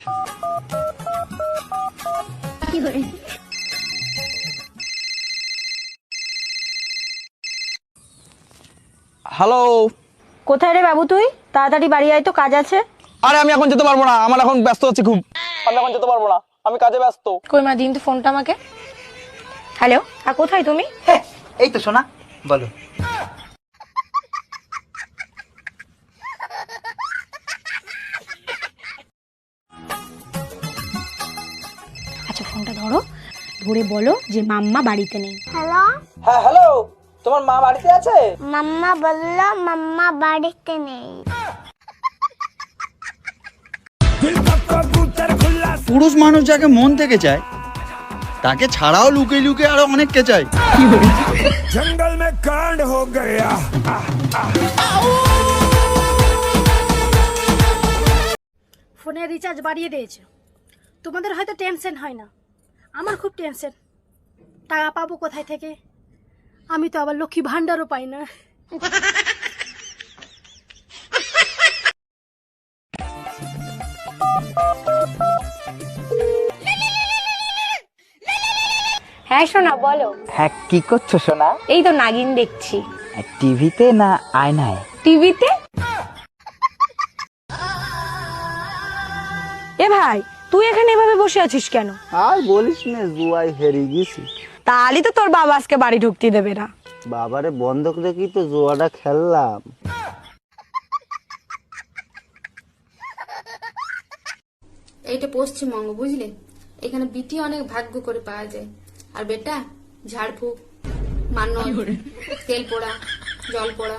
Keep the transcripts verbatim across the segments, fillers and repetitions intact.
Hello, কোথায় রে বাবু তুই? তাড়াতাড়ি বাড়ি আয় তো, কাজ আছে। আরে আমি এখন যেতে পারবো না, আমার এখন ব্যস্ত আছি খুব। আমি এখন যেতে পারবো না, আমি কাজে ব্যস্ত। কই মা, দিন তো ফোনটা আমাকে। হ্যালো, আর কোথায় তুমি? হ্যাঁ, এই তো সোনা, বলো। আচ্ছা ফোনটা ধরো, ধরে বলো যে মাম্মা বাড়িতে নেই। হ্যালো, হ্যাঁ হ্যালো, তোমার মা বাড়িতে আছে? মাম্মা বললো মাম্মা বাড়িতে নেই। পুরুষ মানুষ যাকে মন থেকে চায় তাকে ছাড়াও লুকিয়ে লুকিয়ে আরো অনেককে চায়। জঙ্গল মে কাণ্ড হো গয়া। ফোনের রিচার্জ বাড়িয়ে দিয়েছে, তোমাদের হয়তো টেনশন হয় না, আমার খুব টেনশন। টাকা পাবো কোথায় থেকে? আমি তো আবার লক্ষ্মী ভান্ডারও পাই না। হ্যাঁ সোনা বলো। হ্যাঁ, কি করছো সোনা? এই তো নাগিন দেখছি। টিভিতে না আয়নায়? টিভিতে। এ ভাই, তুই এখানে এভাবে বসে আছিস কেন? আর বলিস না, জুয়াই হেরে গেছি। তাহলে তো তোর বাবা আজকে বাড়ি ঢুকতে দেবে না। বাবারে বন্ধক রেখেই তো জুয়াটা খেললাম। এইটা পশ্চিমবঙ্গ, বুঝলে? এখানে বিটি অনেক ভাগ্য করে পাওয়া যায়। আর বেটা ঝাড়ফুঁক, মান্য, তেল পোড়া, জল পোড়া।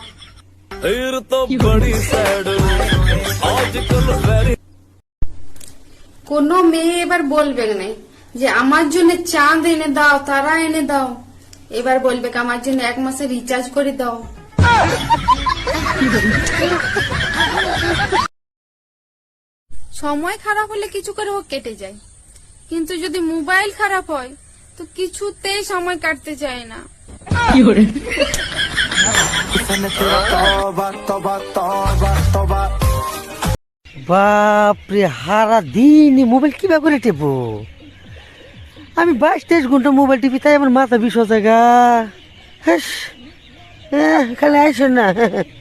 কোন মেয়ে এবার বলবে না যে আমার জন্য চাঁদ এনে দাও, তারা এনে দাও। এবার বলবে আমার জন্য এক মাসে রিচার্জ করে দাও। সময় খারাপ হলে কিছু করে ও কেটে যায়, কিন্তু যদি মোবাইল খারাপ হয় তো কিছুতেই সময় কাটতে চায় না। বাপরে, হারা দিন মোবাইল কিভাবে করে টেপো? আমি বাইশ তেইশ ঘন্টা মোবাইল টিপি, তাই আমার মাথা বিষ জায়গা। খালি আইসো না।